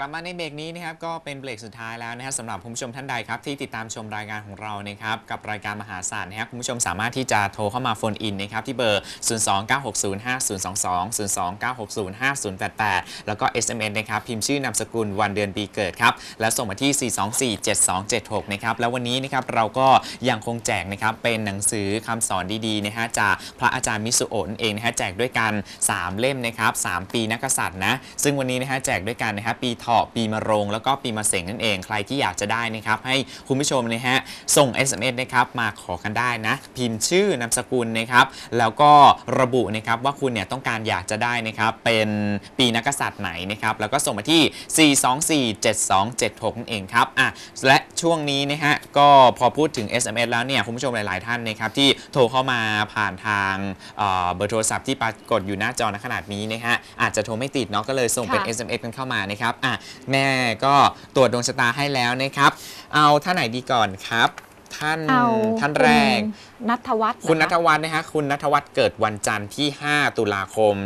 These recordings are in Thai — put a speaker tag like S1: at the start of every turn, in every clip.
S1: ลับมาในเบรกนี้นะครับก็เป็นเบรกสุดท้ายแล้วนะครับสำหรับคุณผู้ชมท่านใดครับที่ติดตามชมรายการของเรานะครับกับรายการมหาศาสตร์นะครับคุณผู้ชมสามารถที่จะโทรเข้ามาโฟนอินนะครับที่เบอร์ 029605022 029605088 แล้วก็ SMS นะครับพิมพ์ชื่อนามสกุลวันเดือนปีเกิดครับแล้วส่งมาที่ 4247276 นะครับแล้ววันนี้นะครับเราก็ยังคงแจกนะครับเป็นหนังสือคำสอนดีๆนะฮะจากพระอาจารย์มิสุโอะนั่นเองนะฮะแจกด้วยกัน3 เล่มนะครับ3 ปีนักกษัตริย์นะซึ่งวันนี้นะฮะแจกด้วยกันนะครับปีเถาะปีมะโรงแล้วก็ปีมะเสงนั่นเองใครที่อยากจะได้นะครับให้คุณผู้ชมนะฮะส่ง SMS นะครับมาขอกันได้นะพิมพ์ชื่อนามสกุลนะครับแล้วก็ระบุนะครับว่าคุณเนี่ยต้องการอยากจะได้นะครับเป็นปีนักกษัตริย์ไหนนะครับแล้วก็ส่งมาที่ 4247276 นั่นเองครับและช่วงนี้นะฮะก็พอพูดถึง SMS แล้วเนี่ยคุณผู้ชมหลายๆท่านนะครับที่โทรเข้ามาผ่านทางเบอร์โทรศัพท์ที่ปรากฏอยู่หน้าจอณขณะนี้นะฮะอาจจะโทรไม่ติดเนาะก็เลยส่งเป็น SMS กันเข้ามานะครับแม่ก็ตรวจดวงชะตาให้แล้วนะครับเอาท่านไหนดีก่อนครับท่านแรก
S2: ณัฐวัฒน์
S1: คุณณัฐวัฒน์นะฮะคุณณัฐวัฒน์เกิดวันจันทร์ที่5 ตุลาคม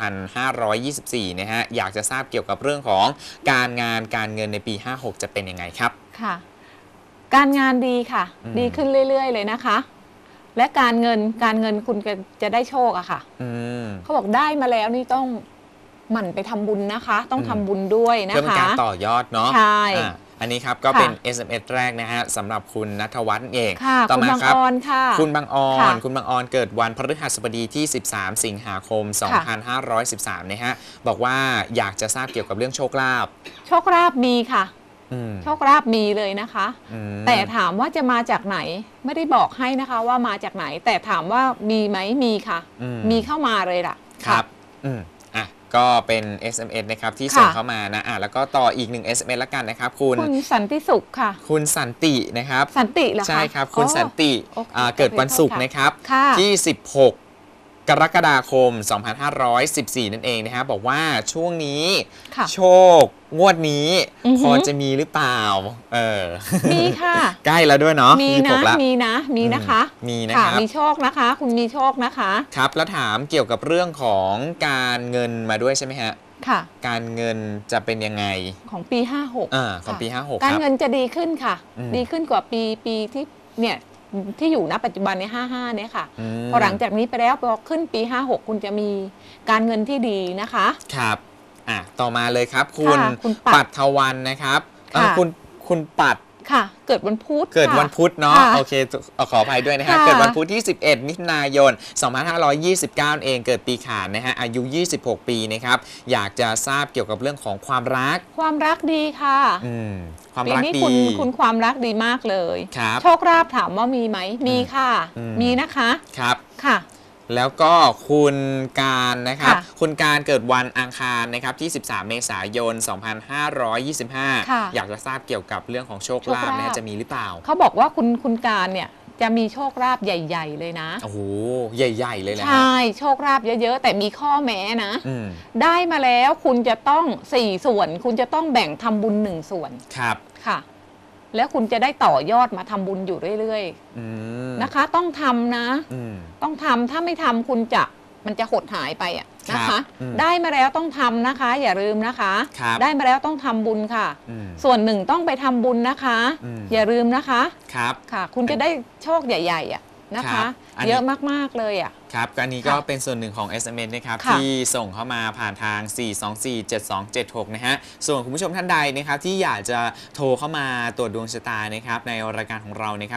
S1: 2524นะฮะอยากจะทราบเกี่ยวกับเรื่องของการงานการเงินในปี 56จะเป็นยังไงครับ
S2: ค่ะการงานดีค่ะดีขึ้นเรื่อยๆเลยนะคะและการเงินคุณจะได้โชคอะค่ะเขาบอกได้มาแล้วนี่ต้องหมั่นไปทำบุญนะคะต้องทำบุญด้วยนะคะ
S1: เพื่อเป็นการต่อยอดเนาะ
S2: ใช่
S1: อันนี้ครับก็เป็น SMS แรกนะฮะสำหรับคุณณัฐวัฒน์เอง
S2: ต่อมาครับ
S1: คุณบางออนเกิดวันพฤหัสบดีที่13 สิงหาคม 2513นะฮะบอกว่าอยากจะทราบเกี่ยวกับเรื่องโชคลาภ
S2: มีค่ะโชคลาภมีเลยนะคะแต่ถามว่าจะมาจากไหนไม่ได้บอกให้นะคะว่ามาจากไหนแต่ถามว่ามีไหมมีค่ะมีเข้ามาเลยล่ะ
S1: ครับก็เป็น SMS นะครับที่ส่งเข้ามานะแล้วก็ต่ออีก1 SMS ละกันนะครับคุณ
S2: สันติสุขค่ะ
S1: คุณสันตินะครับ
S2: สันติเหรอคะ
S1: ใช่ครับคุณสันติเกิดวันศุกร์นะครับที่16 กรกฎาคม 2514 นั่นเองนะฮะบอกว่าช่วงนี้โชคงวดนี้พอจะมีหรือเปล่า
S2: มีค่ะ
S1: ใกล้แล้วด้วยเนาะ
S2: มีนะคะมีนะครับมีโชคนะคะคุณมีโชคนะคะ
S1: ครับแล้วถามเกี่ยวกับเรื่องของการเงินมาด้วยใช่ไหมฮะ
S2: ค่ะ
S1: การเงินจะเป็นยังไง
S2: ของปี 56
S1: ของปี 56
S2: การเงินจะดีขึ้นค่ะดีขึ้นกว่าปีที่เนี่ยที่อยู่ณปัจจุบันใน55เนี่ยค่ะพอหลังจากนี้ไปแล้วพอขึ้นปี56คุณจะมีการเงินที่ดีนะคะ
S1: ครับต่อมาเลยครับคุณปัทวันนะครับคุณปัด
S2: ค่ะเกิดวันพุธ
S1: เนาะโอเคขออภัยด้วยนะฮะเกิดวันพุธที่11 มิถุนายน 2529 เองเกิดปีขานนะฮะอายุ26 ปีนะครับอยากจะทราบเกี่ยวกับเรื่องของความ
S2: รักดีค่ะ
S1: ความรักดี
S2: คุณความรักดีมากเลยโชคลาภถามว่ามีไหมมีค่ะมีนะคะ
S1: ครับ
S2: ค่ะ
S1: แล้วก็คุณการนะครับคุณการเกิดวันอังคารนะครับที่13 เมษายน 2525อยากจะทราบเกี่ยวกับเรื่องของโชคลาภนะจะมีหรือเปล่า
S2: เขาบอกว่าคุณการเนี่ยจะมีโชคลาภใหญ่ๆเลยนะ
S1: โอ้โหใหญ่ๆเลยนะ
S2: ใช่โชคลาภเยอะๆแต่มีข้อแม้นะได้มาแล้วคุณจะต้อง4 ส่วนคุณจะต้องแบ่งทำบุญ1 ส่วน
S1: ครับ
S2: ค่ะแล้วคุณจะได้ต่อยอดมาทำบุญอยู่เรื่อยๆนะคะต้องทำนะต้องทำถ้าไม่ทำมันจะหดหายไปนะคะได้มาแล้วต้องทำนะคะอย่าลืมนะคะได้มาแล้วต้องทำบุญค่ะส่วนหนึ่งต้องไปทำบุญนะคะอย่าลืมนะคะค่ะคุณจะได้โชคใหญ่ๆนะคะเยอะมากๆเลย
S1: ครับอันนี้ก็เป็นส่วนหนึ่งของ SMS นะครับที่ส่งเข้ามาผ่านทาง 4247276 นะฮะส่วนคุณผู้ชมท่านใดนะครับที่อยากจะโทรเข้ามาตรวจดวงชะตานะครับในรายการของเรานะครับ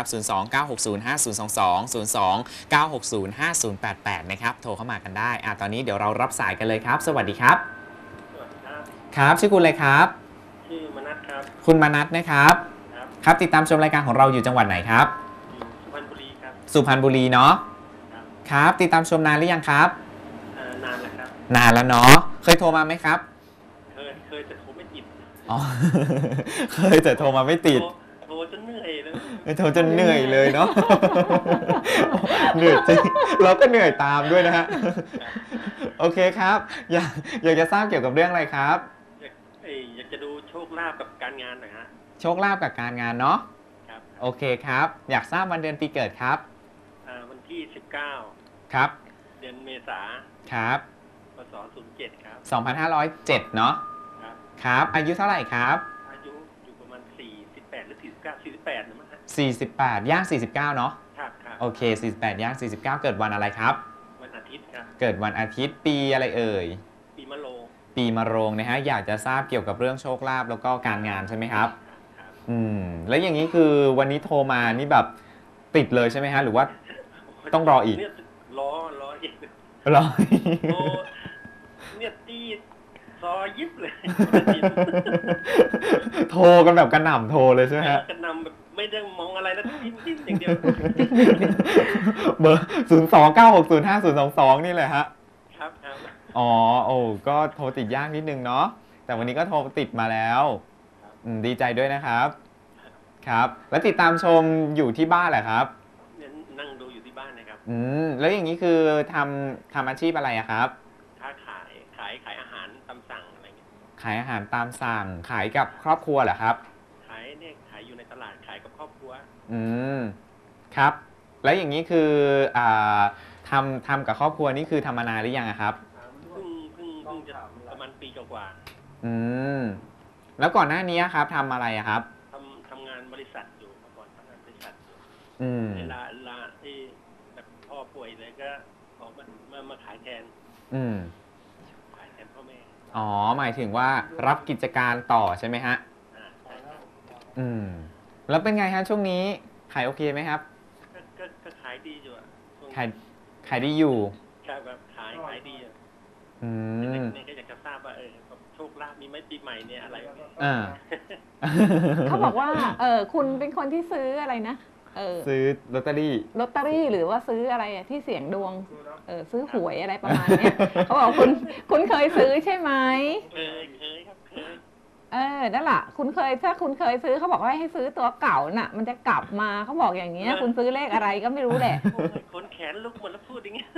S1: 029605022 029605088 นะครับโทรเข้ามากันได้ตอนนี้เดี๋ยวเรารับสายกันเลยครับสวัสดีครับครับชื่อคุณอะไรครับ
S3: ชื่อมนัสครับ
S1: คุณมนัสนะครับครับติดตามชมรายการของเราอยู่จังหวัดไหนครับ
S3: สุพรรณบุรีครับ
S1: สุพรรณบุรีเนาะครับติดตามชมนานหรือยังครับ
S3: นานแล้วครับ
S1: นานแล้วเนาะเคยโทรมาไหมครับ
S3: เคยแต่โทรไม่ติด
S1: เคยแต่โทรมาไม่ติด
S3: โทรจนเหนื่อยเลย
S1: โทรจนเหนื่อยเลยเนาะเหนื่อยจริงเราก็เหนื่อยตามด้วยนะฮะโอเคครับอยากจะทราบเกี่ยวกับเรื่องอะไรครับ
S3: อยากจะดูโชคลาภกับการงานหน่อยฮะ
S1: โชคลาภกับการงานเนาะ
S3: ครับ
S1: โอเคครับอยากทราบวันเดือนปีเกิดครับ
S3: วันที่19
S1: ครับ
S3: เดือนเมษา
S1: ครับ
S3: พศ07ครับ
S1: 2507เนาะ
S3: ครับ
S1: ครับอายุเท่าไหร่ครับ
S3: อายุอยู่ประมาณ48หรือ49 48นะมั้งฮะ
S1: 48ย่าง49เนาะ
S3: ครับครับ
S1: โอเค48ย่าง49เกิดวันอะไรครับ
S3: วันอาทิตย์ครับ
S1: เกิดวันอาทิตย์ปีอะไรเอ่ย
S3: ปีมะโรง
S1: ปีมะโรงนะฮะอยากจะทราบเกี่ยวกับเรื่องโชคลาภแล้วก็การงานใช่ไหมครับ
S3: ครับ
S1: แล้วอย่างนี้คือวันนี้โทรมานี่แบบติดเลยใช่ไหมฮะหรือว่าต้องรออีก
S3: เนี่ยรออีก
S1: รอ
S3: โอ้เนี่ยตีซอยิบเลย
S1: โทรกันแบบกระหน่ำโทรเลยใช่ไหมฮะ
S3: กระนำแบบไม่ได้มองอะไรแล้วจิ้มอย่างเดียว
S1: เบอร์029605022นี่เลยฮะ
S3: ครับครับ
S1: อ๋อโอ้ก็โทรติดยากนิดนึงเนาะแต่วันนี้ก็โทรติดมาแล้วดีใจด้วยนะครับครับแล้วติดตามชมอยู่ที่บ้านแหละครับ
S3: เนี่ยนั่งดูอยู่ที่บ้านนะครับ
S1: แล้วอย่างนี้คือทำอาชีพอะไรอะครับ
S3: ค้าขายอาหารตามสั่งอะไรเงี้ย
S1: ขายอาหารตามสั่งขายกับครอบครัวเหรอครับ
S3: ขายอยู่ในตลาดขายกับครอบครัว
S1: ครับแล้วอย่างนี้คือทำกับครอบครัวนี่คือทำมานานหรือยังอะครับ
S3: เพิ่งจะประมาณปีกว่า
S1: แล้วก่อนหน้านี้ครับทำอะไรอะครับ
S3: ทำงานบริษัทอยู่เมื่อก่อนทำงานบริษัทอยู่ เวลาที่แบบพ่อป่วยเลยก็ออกมาขายแทนพ่อแม่
S1: อ๋อหมายถึงว่ารับกิจการต่อใช่ไหมฮะ
S3: ใช่ครับ
S1: แล้วเป็นไงฮะช่วงนี้ขายโอเคไหมครับ
S3: ก็ขายดีอยู่อะช่วง
S1: ขายดีอยู่
S3: แบบขายดีอะเนี่ยก็อยากจะทราบว่าโชคลาภมีไหมปีใหม่เนี่ยอะไรแบบนี้
S2: เขาบอกว่าคุณเป็นคนที่ซื้ออะไรนะ
S1: ซื้อลอตเตอรี่
S2: หรือว่าซื้ออะไรอะที่เสี่ยงดวงซื้อหวยอะไรประมาณเนี้ยเขาบอกคุณเคยซื้อใช่ไหม
S3: เคยครับเคย
S2: นั่นแหละถ้าคุณเคยซื้อเขาบอกว่าให้ซื้อตัวเก่าน่ะ มันจะกลับมาเขาบอกอย่างเงี้ยคุณซื้อเลขอะไรก็ไม่รู้แหละ
S3: โอ้ยขนแขนลุกหมดแล้วพูดอย่างเงี้ย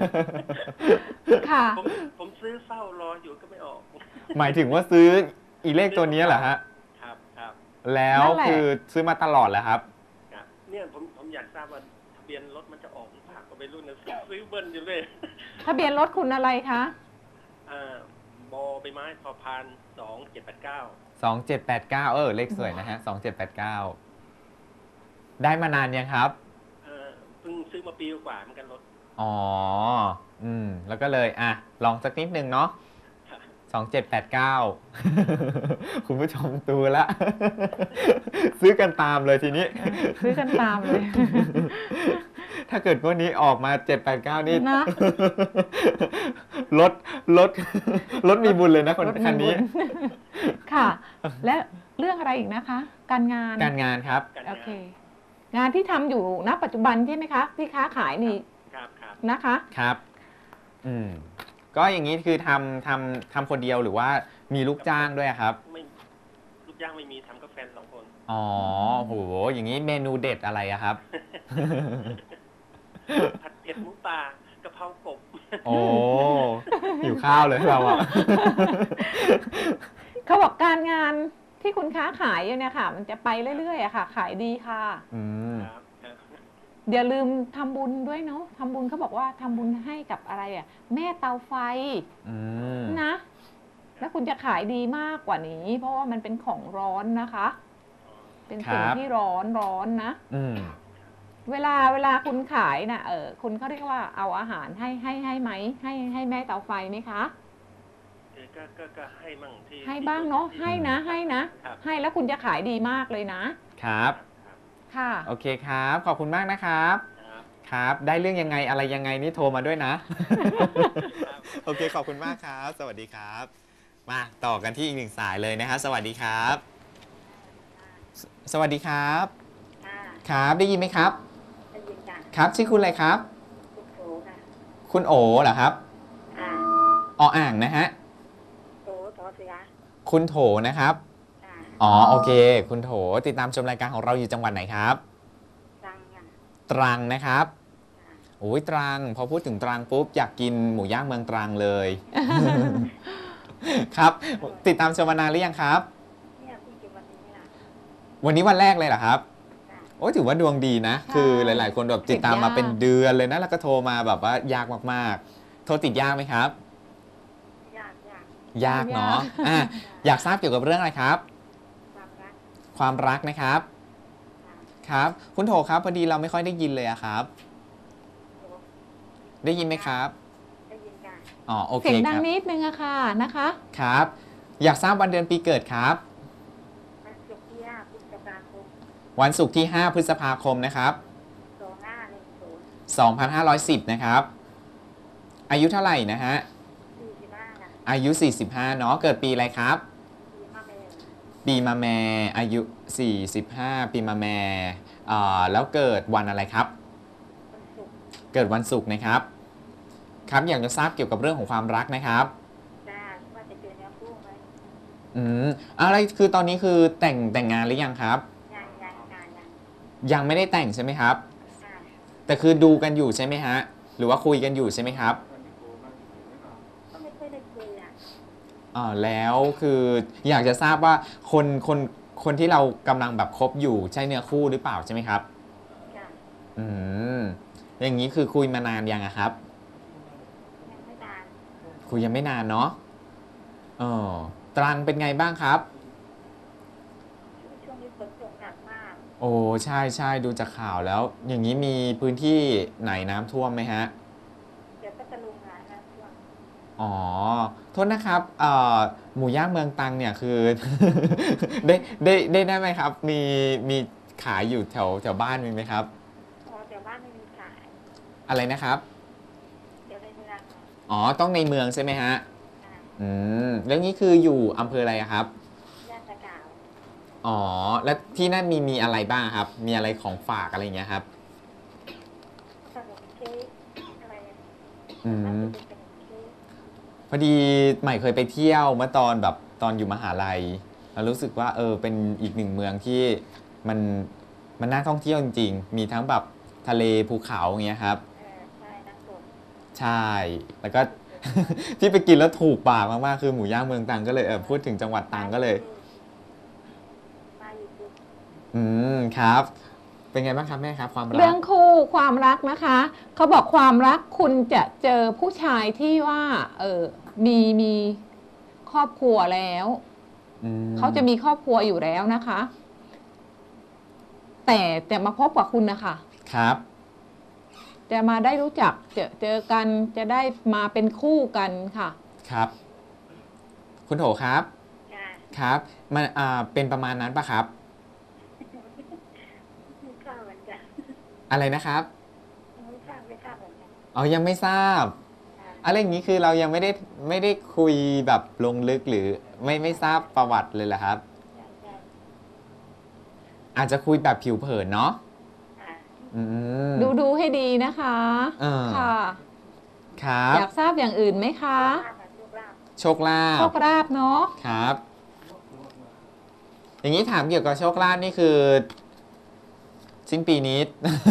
S2: ค่ะ
S3: ผมซื้อเฝ้ารออยู่ก็ไม่ออก
S1: หมายถึงว่าซื้ออีเลขตัวนี้เหรอฮะ
S3: ครับ
S1: แล้วคือซื้อมาตลอดเหรอครับ
S3: เนี่ยผมอยากทราบว่าทะเบียนรถมันจะออกหรือเปล่าก็ไม่รู้นะซื้อเบิ้ลอยู่เลย
S2: ทะเบียนรถคุณอะไรคะ
S3: บอใบไม้พอพาน2789
S1: 2789เลขสวยนะฮะ2789ได้มานานยังครับ
S3: เพิ่งซื้อมาปีกว่าเหมือนกันรถ
S1: อ๋อแล้วก็เลยลองสักนิดนึงเนาะ2789 คุณผู้ชมดูละ ซื้อกันตามเลยทีนี้
S2: ซื้อกันตามเลย
S1: ถ้าเกิดงวดนี้ออกมา789นี่
S2: นะ
S1: รถมีบุญเลยนะคันนี้
S2: ค่ะ และเรื่องอะไรอีกนะคะ การงาน
S1: การงานครับ
S2: โอเค งานที่ทำอยู่ณปัจจุบันใช่ไหมคะที่ค้าขายนี่
S3: ครับ
S2: นะคะ
S1: ครับก็อย่างนี้คือทำคนเดียวหรือว่ามีลูกจ้างด้วยครับ
S3: ไม่ลูกจ้างไม่มีทำกับแฟน2 คน
S1: อ๋อโหอย่างนี้เมนูเด็ดอะไรอะครับ
S3: ผัดเผ็ดหมูป่ากะเพรากบ
S1: โอ้หิวข้าวเลยเราอะ
S2: เขาบอกการงานที่คุณค้าขายอยู่เนี่ยค่ะ มันจะไปเรื่อยๆอะค่ะ ขายดีค่ะ
S3: ครับ
S2: อย่าลืมทำบุญด้วยเนาะทำบุญเขาบอกว่าทำบุญให้กับอะไรอะแม่เตาไฟนะ แล้วคุณจะขายดีมากกว่านี้ เพราะว่ามันเป็นของร้อนนะคะ เป็นสิ่งที่ร้อนนะเวลาคุณขายน่ะคุณเขาเรียกว่าเอาอาหารให้ไหมให้แม่เตาไฟไหมคะ
S3: ก็ให้มั่งที่
S2: ให้บ้างเนาะให้นะให้แล้วคุณจะขายดีมากเลยนะครับค่ะ
S1: โอเคครับขอบคุณมากนะครับครับได้เรื่องยังไงอะไรยังไงนี่โทรมาด้วยนะ โอเคขอบคุณมากครับ สวัสดีครับมาต่อกันที่อีกหนึ่งสายเลยนะฮะสวัสดีครับ สวัสดีครับครับได้ยินไหมครับได้ยินค่ะครับชื่อคุณอะไรครับคุณโอค่ะคุณโอเหรอครับอ่างนะฮะโถเสียคุณโถนะครับอ๋อโอเคคุณโถติดตามชมรายการของเราอยู่จังหวัดไหนครับตรังนะครับโอ้ยตรังพอพูดถึงตรังปุ๊บอยากกินหมูย่างเมืองตรังเลย ครับติดตามชมมานานหรือยังครับวันนี้วันแรกเลยเหรอครับโอ้ถือว่าดวงดีนะคือหลายๆคนแบบติดตามมาเป็นเดือนเลยนะแล้วก็โทรมาแบบว่ายากมากๆโทรติดยากไหมครับยากเนาะอยากทราบเกี่ยวกับเรื่องอะไรครับ
S4: ความรัก
S1: ความรักนะครับ ครับ คุณโถครับพอดีเราไม่ค่อยได้ยินเลยอะครับ ได้ยินไหมครับ
S4: ได้ยินกัน
S1: อ๋อโอเค
S2: เสียง
S1: ค
S2: ดัง
S1: รับ
S2: นิดนึงอะค่ะนะคะ
S1: ครับ อยากทราบวันเดือนปีเกิดครับ
S4: วันศุกร์ที่5พฤษภาคม
S1: วันศุกร์ที่ 5 พฤษภาคมนะครับ
S4: 2510
S1: 2510 นะครับ อายุเท่าไหร่นะฮะ
S4: 45ค่ะ
S1: อายุ 45 เนาะ เกิดปีอะไรครับ
S4: ปีมะเมง
S1: ปีมะแม่อายุ 45 ปีมะแม่แล้วเกิดวันอะไรครับ
S4: วันศุกร์
S1: เกิดวันศุกร์นะครับ ครับ อยากจะทราบเกี่ยวกับเรื่องของความรักนะครับ
S4: จ้าว่าจะเจอเนื้อคู่ไหม
S1: อะไรคือตอนนี้คือแต่งงานหรือยังครับ ยังไม่ได้แต่งใช่ไหมครับ
S4: ค่ะ
S1: แต่คือดูกันอยู่ใช่ไหมฮะ หรือว่าคุยกันอยู่ใช่ไหมครับ
S4: ก็ไม่ค่อยได้คุยอ่ะ
S1: แล้วคืออยากจะทราบว่าคนที่เรากำลังแบบคบอยู่ใช่เนื้อคู่หรือเปล่าใช่ไหมครับ
S4: จ้า
S1: อืมอย่างนี้คือคุยมานานยังอะครับ
S4: ยังไม่นาน
S1: คุยยังไม่นานเนาะตรังเป็นไงบ้างครับ
S4: ช่วงนี้ฝนตกหนักมาก
S1: โอ้ใช่ใช่ดูจากข่าวแล้ว อย่างนี้มีพื้นที่ไหนน้ำท่วมไหมฮะ
S4: เดี๋ยวก็จะลุงงานนะช่วง
S1: อ๋อ โทษนะครับหมูย่างเมืองตรังเนี่ยคือ ได้ไหมครับ มีขายอยู่แถวบ้านมีไหมครับ
S4: พอเดี๋ยวบ้านไม่มีขาย
S1: อะไรนะครับ
S4: เดี๋ยวในเมืองค่ะ
S1: อ๋อ ต้องในเมืองใช่ไหมฮะ
S4: ค่ะ
S1: แล้วนี้คืออยู่อำเภออะไรอะครับ
S4: ย่านตะกาว
S1: อ๋อ แล้วที่นั่นมีอะไรบ้างครับ มีอะไรของฝากอะไรอย่างเงี้ยครับ
S4: ขนมเค้กอะไร
S1: อืม
S4: น่าจะเป็นขนมเค้ก
S1: พอดีใหม่เคยไปเที่ยวเมื่อตอนอยู่มหาลัยแล้วรู้สึกว่าเป็นอีกหนึ่งเมืองที่มันน่าท่องเที่ยวจริงๆ มีทั้งแบบทะเลภูเขาอย่างเงี้ยครับ
S4: ใช่นักสด
S1: ใช่ แล้วก็ ที่ไปกินแล้วถูกปากมากๆคือหมูย่างเมืองตรังก็เลยพูดถึงจังหวัดตรังก็เลย
S4: มาอยู่ปุ๊บ
S1: ครับ เป็นไงบ้างครับแม่ครับความรั
S2: เรื่
S1: ก
S2: องคู่ความรักนะคะเขาบอกความรักคุณจะเจอผู้ชายที่ว่ามีครอบครัวแล้ว เขาจะมีครอบครัวอยู่แล้วนะคะ แต่มาพบกับคุณนะคะ
S1: ครับ
S2: จะมาได้รู้จักเจอกันจะได้มาเป็นคู่กันค่ะ
S1: ครับ คุณโถครับ
S4: จ้า
S1: ครับมันเป็นประมาณนั้นปะครับ
S4: ไม่ทราบเหมือนกัน
S1: อะไรนะครับ
S4: ไม่ทราบเหมือนกัน
S1: อ๋อยังไม่ทราบ
S4: ค่ะ
S1: อะไรอย่างนี้คือเรายังไม่ได้คุยแบบลงลึกหรือไม่ทราบประวัติเลยเหรอครับ
S4: ใช่
S1: อาจจะคุยแบบผิวเผินเนาะ
S4: ค่ะ
S1: อืม
S2: ดูให้ดีนะคะ ค่ะ
S1: ครับ
S2: อยากทราบอย่างอื่นไหมคะ
S4: ลาบ
S1: โชคลา
S2: โช
S1: ภ
S2: คราบเนาะ
S1: ครับ อย่างนี้ถามเกี่ยวกับโชคลาภนี่คือ สิ้นปีนี้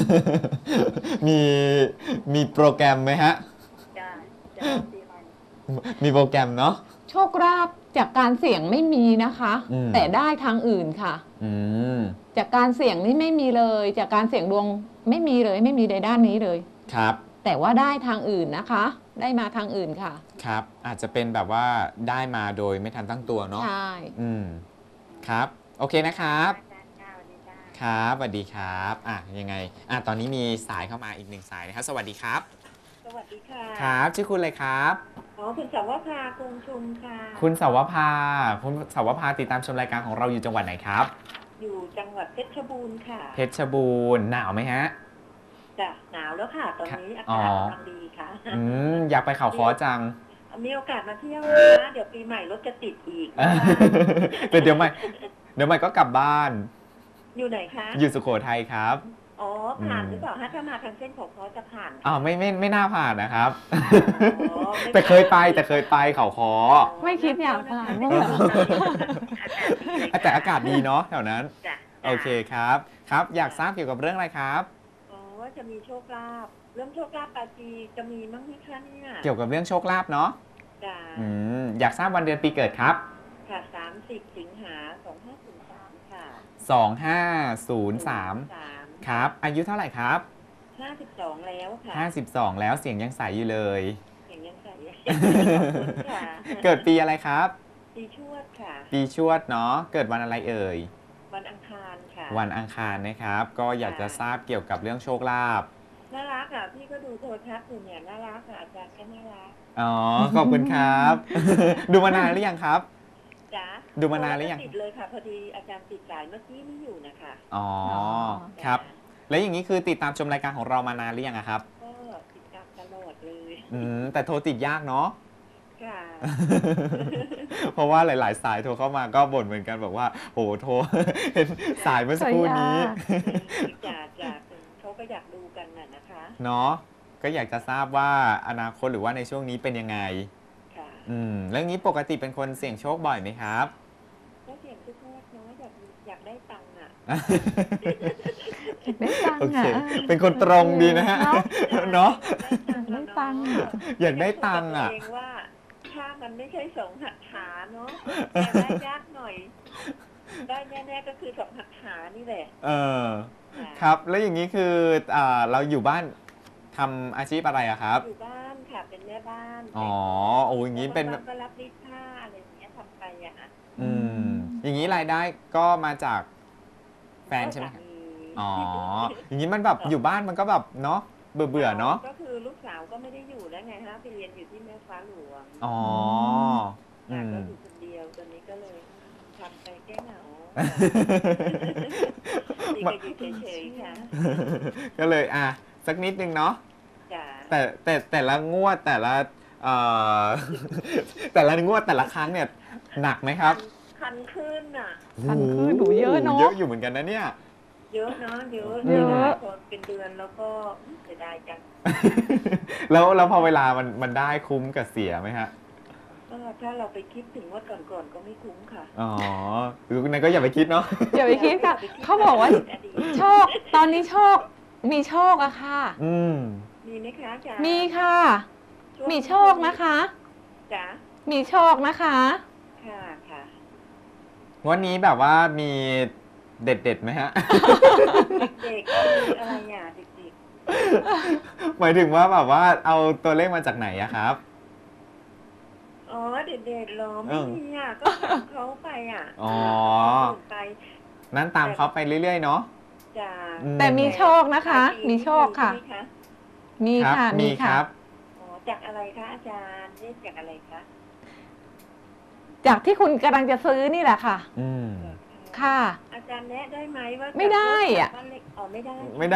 S1: มีโปรแกรมไหมฮะ
S4: จ้าจะปีใหม่
S1: มีโปรแกรมเนาะ
S2: โชคราบจากการเสี่ยงไม่มีนะคะ
S1: อืม
S2: แต่ได้ทางอื่นค่ะ
S1: อืม
S2: จากการเสี่ยงนี่ไม่มีเลย จากการเสี่ยงดวงไม่มีเลย ไม่มีในด้านนี้เลย
S1: ครับ
S2: แต่ว่าได้ทางอื่นนะคะ ได้มาทางอื่นค่ะ
S1: ครับ อาจจะเป็นแบบว่าได้มาโดยไม่ทันตั้งตัวเนาะ
S2: ใช่
S1: ครับ โอเคนะครับ
S4: จ้าสวัสดีจ้า
S1: ครับสวัสดีครับยังไงตอนนี้มีสายเข้ามาอีกหนึ่งสายนะครับ สวัสดีครับ
S4: สวัสดีค่ะ
S1: ครับ ชื่อคุณอะไรครับ
S4: อ๋อคุณสาวภากรุงชุมค่ะ
S1: คุณสาวภาคุณสาวภาติดตามชมรายการของเราอยู่จังหวัดไหนครับ
S4: อยู่จังหวัดเพชรบูรณ์ค่ะ
S1: เพชรบูรณ์หนาวไหมฮะ
S4: จ้ะหนาวแล้วค่ะ ตอนนี้อา
S1: อ๋อ
S4: กาศกำลังดีค่ะ
S1: อยากไปเขาค้อจัง
S4: มีโอกาสมาเที่ยวนะเดี๋ยวปีใหม่รถจะติดอีก
S1: แต่เดี๋ยวใหม่ก็กลับบ้าน
S4: อยู่ไหนคะ
S1: อยู่สุโขทัยครับ
S4: อ๋อผ่านหรือเปล่าฮะถ้ามาทางเส้นของเขาจะผ่าน
S1: ไม่น่าผ่านนะครับ
S4: อ๋อไม่
S1: แต่เคยไปเขาค้อ
S2: ไม่คิดอยากผ่านบ้าง
S4: เห
S2: เห
S4: ร
S2: ร
S4: อ
S1: แต่อากาศดีเนาะแถวนั้น
S4: จ้ะ
S1: โอเคครับ ครับ อยากทราบเกี่ยวกับเรื่องอะไรครับ
S4: อ๋อว่าจะมีโชคลาภเรื่องโชคลาภปาจีจะมีมั้งไหมคะเนี่ย
S1: เกี่ยวกับเรื่องโชคลาภเนาะ
S4: จ้ะ
S1: อยากทราบวันเดือนปีเกิดครับ
S4: ค่ะ30 สิงหา2503ค่ะ
S1: 2503 ครับ อายุเท่าไหร่ครับ
S4: 52แล้วค่ะ
S1: 52 แล้วเสียงยังใสอยู่เลย
S4: อย่างยังใส่ขอบคุณค่ะ
S1: เกิดปีอะไรครับ
S4: ปีชวดค่ะ
S1: ปีชวดเนาะเกิดวันอะไรเอ่ย
S4: วันอังคารค่ะ
S1: วันอังคารนะครับ ก็อยากจะทราบเกี่ยวกับเรื่องโชคลาภ
S4: น่ารักอ่ะพี่ก็ดูโทรทัศน์อยู่เนี่ยน่ารักอ่ะอาจารย์ก็น่ารัก
S1: อ๋อขอบคุณครับ ดูมานานหรือยังครับ
S4: จ้ะ
S1: ดูมานานหรือยัง
S4: ติดเลยค่ะพอดีอาจารย์ติดสายเมื่อกี้ไม่อยู่นะคะ
S1: อ๋อ
S4: จ้ะ
S1: ครับ แล้วอย่างนี้คือติดตามชมรายการของเรามานานหรือยังอะครับ
S4: ก็ติดตามตลอดเลย
S1: แต่โทรติดยากเนาะ
S4: ค่ะ
S1: เพราะว่าหลาย ๆ สายโทรเข้ามาก็บ่นเหมือนกันบอกว่าโหโทร เห็นสายเมื่อสักครู่นี้
S4: จ้ะจ้ะเขาก็อยากดูกันน่ะนะคะ
S1: เนาะก็อยากจะทราบว่าอนาคตหรือว่าในช่วงนี้เป็นยังไง
S4: ค่ะ
S1: เรื่องนี้ปกติเป็นคนเสี่ยงโชคบ่อยไหมครับ
S4: ก็เสียงทุกงวดเนาะอยากได้ตังค์อ่ะ
S2: ได้ตัง
S1: โอ
S2: ค์
S1: เค
S2: อ่ะ
S1: เป็นคนตรงดีนะฮะ เนาะ
S2: ได้ตังค์อะ
S1: อยากได้ตังค์อ่ะ
S4: เองว่าถ้ามันไม่ใช่สองหักขาเนาะอยากได้ยากหน่อย ได้แน่ๆก็คือสองหักขานี่แหละ
S1: ค่ะ
S4: ะ
S1: ครับ แล้วอย่างนี้คือเราอยู่บ้านทำอาชีพอะไรอะครับ
S4: อยู่บ้านค่ะเป็นแม่บ้าน
S1: อ๋อโอ้อย่างนี้เป็น
S4: แล้วก็รับรีดผ้าอะไรอย่างเงี้ยทำไปอะค่ะ
S1: อย่างนี้รายได้ก็มาจากแฟนใช่ไหมครับ อ๋อ อย่างนี้มันแบบอยู่บ้านมันก็แบบเนาะเบื่อๆเนาะ
S4: ก็คือลูกสาวก็ไม่ได้อยู่แล้วไงฮะไปเรียนอยู่ที่แม่ฟ้าหลวง
S1: อ๋อ
S4: ค่ะก็อยู่คนเดียวตอนนี้ก็เลยทำไปแก้เหงาดีก็อยู่เฉยๆค่ะ
S1: ก็เลยสักนิดนึงเนาะ
S4: จ้ะ
S1: แต่ละงวดแต่ละแต่ละงวดแต่ละครั้งเนี่ยหนักไหมครับ
S4: คันขึ้นอ่ะ
S2: พันคือหนูเยอะเนาะ
S1: เยอะอยู่เหมือนกันนะเนี่ย
S4: เยอะเนาะเยอะ
S2: เยอะ
S4: พอเป็นเดือนแล้วก็เสียดายจัง
S1: แล้วพอเวลามันได้คุ้มกับเสียไหมฮะ
S4: ก็ถ้าเราไปคิดถึงว่าก่อนๆก็ไม่คุ้มค่ะ
S1: อ๋อหรือนั้นก็อย่าไปคิดเนาะ
S2: อย่าไปคิดค่ะ เขาบอกว่า
S4: อดีต
S2: โชค ตอนนี้โชค มีโชคอะค่ะ
S4: มีไหมคะอาจารย์
S2: มีค่ะ มีโชคนะคะ
S4: จ้ะ
S2: มีโชคนะคะ
S4: ค่ะค่ะ
S1: วันนี้แบบว่ามีเด็ดๆไหมฮะ
S4: เด็กๆมีอะไรอ่ะเด็ก
S1: หมายถึงว่าแบบว่าเอาตัวเลขมาจากไหนอะครับ
S4: ๆอ๋อเด็กๆเหรอไม่มีอ่ะก็ถามเขาไปอ่ะ
S1: อ๋อ
S4: คนอื่นไป
S1: นั้นตามเขาไปเรื่อยๆเนาะ
S4: จ้ะ
S2: แต่มีโชคนะคะ มีโชคค่ะ
S4: ใช่ไหมคะ
S2: มี
S1: ครับ
S2: ค่ะ
S1: มีค
S2: ค่ะ
S1: รับ
S4: อ๋อจากอะไรคะอาจารย์เรียกจากอะไรคะ
S2: จากที่คุณกำลังจะซื้อนี่แหละค่ะ ค่ะ
S4: อาจารย์แนะได้ไหมว่า
S2: ไม่ได้อะ
S4: บ้านเล็กอ๋อไม่ได้
S1: ไม่ได้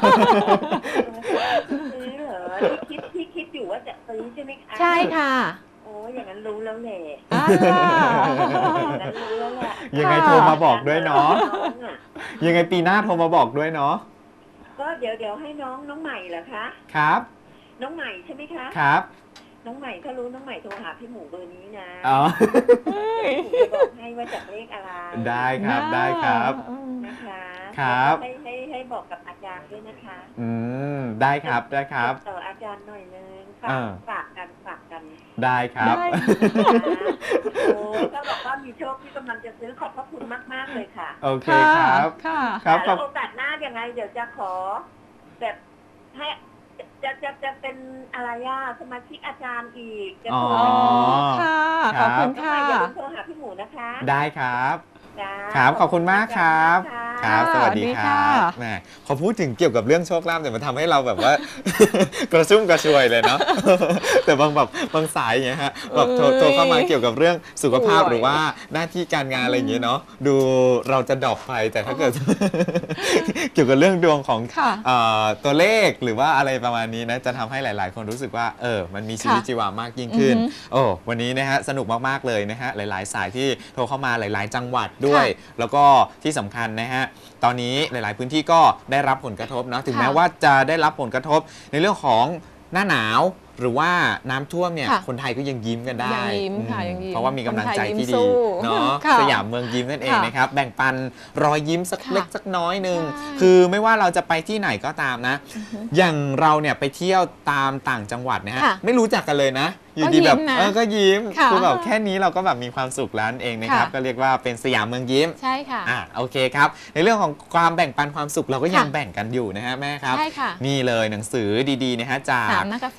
S4: ซื้อเหรอที่คิดอยู่ว่าจะซื้อใช่ไหมคะ
S2: ใช่ค่ะ
S4: โอ้อย่างนั้นรู้แล้วแหละ
S2: อ่า
S4: อย่างนั้นรู้แล้วแหละ
S1: ยังไง
S2: ค่ะ
S1: โทรมาบอกด้วยเนาะ
S4: น้องอ่ะ
S1: ยังไงปีหน้าโทรมาบอกด้วยเนาะ
S4: ก็เดี๋ยวให้น้องใหม่เหรอคะ
S1: ครับ
S4: น้องใหม่ใช่ไหมคะ
S1: ครับ
S4: น้องใหม่ถ้ารู้น้องใหม่โทรหาพี่หมูเบอร์นี้นะ
S1: อ๋อ
S4: พี่หมูจะบอกให้ว่าจากเลขอะไร
S1: ได้ครับได้ครับ
S4: นะคะ
S1: ครับ
S4: แล้วก็ให้บอกกับอาจารย์ด้วยนะคะ
S1: ได้ครับได้ครับ
S4: ต่ออาจารย์หน่อยนึง
S1: อ่า
S4: ฝากกัน
S1: ได้ครับ
S2: ได้
S4: โอ้ก็บอกว่ามีโชคที่กำลังจะซื้อขอบพระคุณมากๆเลยค่ะ
S1: โอเคครับ
S2: ค่ะ
S1: ครับข
S4: แล้
S1: อบ
S4: วโอกาสหน้ายังไงเดี๋ยวจะขอแบบให้จะเป็นอะไรสมาชิกอาจารย์อีกจะโทร
S1: อ๋อ
S2: ค่ะ
S1: ครั
S2: ข
S1: บ
S2: อบคุณ
S4: น้องให
S2: ค่ะ
S4: ม่อย่าลืมโทรหาพี่หมูนะคะ
S1: ได้ครับ
S4: จ้า
S1: ครับขอบคุณมากครับ
S4: ขอณ
S1: ค
S4: มาก
S1: รับ สวัสดี
S2: สวัสดี
S1: ค
S2: ค่ะ
S1: รับแหมพอพูดถึงเกี่ยวกับเรื่องโชคลาภเนี่ยมันทำให้เราแบบว่า กระชุ่มกระชวยเลยเนาะ แต่บางสายอย่างเงี้ยฮะแบบโทรเข้ามาเกี่ยวกับเรื่องสุขภาพหรือว่าหน้าที่การงานอะไรอย่างเงี้ยเนาะดูเราจะดรอปไปแต่ถ้าเกิด เกี่ยวกับเรื่องดวงของ
S2: ค่ะ
S1: ตัวเลขหรือว่าอะไรประมาณนี้นะจะทำให้หลาย ๆ คนรู้สึกว่ามันมีชีวิต
S2: ค่ะ
S1: ชีวามากยิ่งขึ้น
S2: อือฮึ
S1: โอ้วันนี้นะฮะสนุกมากๆเลยนะฮะหลาย ๆ สายที่โทรเข้ามาหลาย ๆ จังหวัดด้วย แล้วก็ที่สำคัญนะฮะตอนนี้หลาย ๆ พื้นที่ก็ได้รับผลกระทบเนาะถึง
S2: ค่ะ
S1: แม้ว่าจะได้รับผลกระทบในเรื่องของหน้าหนาวหรือว่าน้ำท่วมเนี่ย
S2: ค่ะ
S1: คนไทยก็ยังยิ้มกันได้
S2: ยังยิ้มค่ะยังยิ้ม
S1: เพราะว่ามีกำลังใจที่
S2: คนไทยยิ้มสู้
S1: ดีเนาะ
S2: ค่ะ
S1: สยามเมืองยิ้มนั่นเอง
S2: ค่ะ
S1: นะครับแบ่งปันรอยยิ้มสัก
S2: ค่ะ
S1: เล็กสักน้อยหนึ่ง
S2: ใช่
S1: คือไม่ว่าเราจะไปที่ไหนก็ตามนะ อย่างเราเนี่ยไปเที่ยวตามต่างจังหวัดนะฮะ
S2: ค่ะ
S1: ไม่รู้จักกันเลยนะ อยู่ดีแบบ
S2: ก็ยิ้มนะ
S1: ก็ยิ้ม
S2: ค่ะ
S1: คือแบบแค่นี้เราก็แบบมีความสุขแล้วนั่นเองนะครับ
S2: ค่ะ
S1: ก็เรียกว่าเป็นสยามเมืองยิ้ม
S2: ใช่ค่ะ
S1: โอเคครับ ในเรื่องของความแบ่งปันความสุขเราก็ยัง
S2: ค่ะ
S1: แบ่งกันอยู่นะฮะแม่ครับ
S2: ใช่ค่ะ
S1: นี่เลยหนังสือดีๆนะฮะจา
S2: สาก มนักกษัตริย์ค่ะ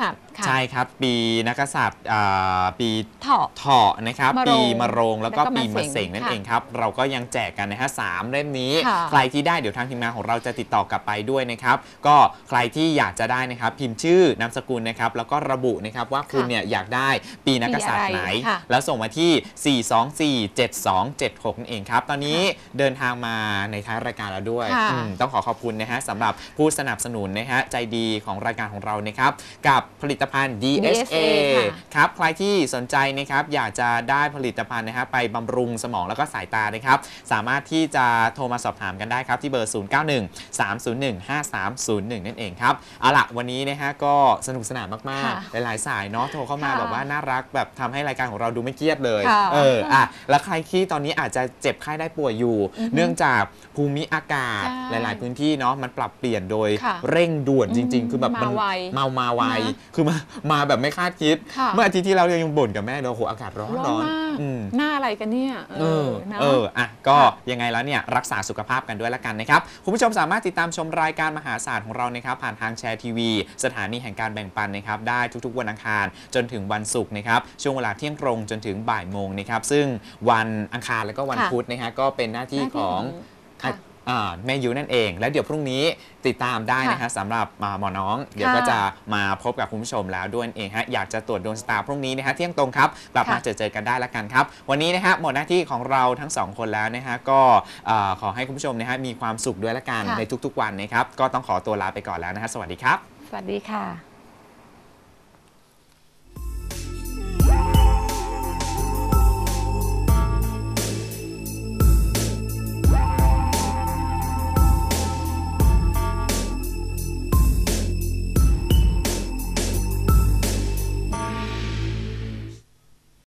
S1: ใช่ครับปีนักกษัตริย์ปี
S2: เถาะ
S1: เถาะนะครับ
S2: มะโรง
S1: ปีมะโรงแล้วก็
S2: แล้วก็
S1: ปีมะ
S2: มะ
S1: เส
S2: เส
S1: ง
S2: ง
S1: นั่น
S2: ค่ะ
S1: เองครับเราก็ยังแจกกันนะฮะ3 เล่มนี้
S2: ค่ะ
S1: ใครที่ได้เดี๋ยวทางทีมงานของเราจะติดต่อกลับไปด้วยนะครับก็ใครที่อยากจะได้นะครับพิมพ์ชื่อนามสกุลนะครับแล้วก็ระบุนะครับว่าคุณเนี่ยอยากได้ปีนักกษัตริย์ไหน
S2: ค่ะ
S1: แล้วส่งมาที่ 4247276 นั่นเองครับตอนนี้เดินทางมาในท้ายรายการแล้วด้วย
S2: ค่ะ
S1: ต้องขอบคุณนะฮะสำหรับผู้สนับสนุนนะฮะใจดีของรายการของเรานะครับกับผลิตภัณฑ์ DSA
S2: ค่ะ
S1: ครับใครที่สนใจนะครับอยากจะได้ผลิตภัณฑ์นะฮะไปบำรุงสมองแล้วก็สายตานะครับสามารถที่จะโทรมาสอบถามกันได้ครับที่เบอร์ 0913015301 นั่นเองครับเอาล่ะวันนี้นะฮะก็สนุกสนานมาก
S2: ค่ะ
S1: ๆหลายๆสายเนาะโทรเข้ามา
S2: ค่ะ
S1: แบบว่าน่ารักแบบทำให้รายการของเราดูไม่เครียดเลย
S2: ค่ะ
S1: แล้วใครที่ตอนนี้อาจจะเจ็บไข้ได้ป่วยอยู่ เนื่องจากภูมิอากาศ
S2: ใช่
S1: หลาย ๆ พื้นที่เนาะมันปรับเปลี่ยนโดย
S2: ค่ะ
S1: เร่งด่วนจริง ๆ คือแบบ
S2: มาไว
S1: มาไว
S2: นะ
S1: คือมาแบบไม่คาดคิด
S2: ค่ะ
S1: เมื่ออาทิตย์ที่เรายังบ่นกับแม่เลยโอ้โหอากาศร้อน
S2: ร้อนมาก
S1: อืม
S2: หน้าอะไรกันเนี่ย นะ
S1: ก็
S2: ค่ะ
S1: ยังไงแล้วเนี่ยรักษาสุขภาพกันด้วยละกันนะครับ คุณผู้ชมสามารถติดตามชมรายการมหาศาสตร์ของเรานะครับผ่านทางแชร์ทีวีสถานีแห่งการแบ่งปันนะครับได้ทุกๆวันอังคารจนถึงวันศุกร์นะครับช่วงเวลาเที่ยงตรงจนถึงบ่ายโมงนะครับซึ่งวันอังคารแล้วก็วัน
S2: ค่ะ
S1: พุธนะฮะก็เป็นหน้าที่ของ
S2: ค่ะ
S1: แม่ยูนั่นเอง แล้วเดี๋ยวพรุ่งนี้ติดตามได้นะฮะสำหรับหมอน้อง เดี๋ยวก็จะมาพบกับคุณผู้ชมแล้วด้วยนั่นเองฮะอยากจะตรวจดวงชะตาพรุ่งนี้นะฮะเที่ยงตรงครับกลับมา
S2: ค่ะ
S1: เจอกันได้ละกันครับ วันนี้นะฮะหมดหน้าที่ของเราทั้งสองคนแล้วนะฮะก็ขอให้คุณผู้ชมนะฮะมีความสุขด้วยละกัน
S2: ค่ะ
S1: ในทุกๆวันนะครับก็ต้องขอตัวลาไปก่อนแล้วนะฮะสวัสดีครับ
S2: สวัสดีค่ะ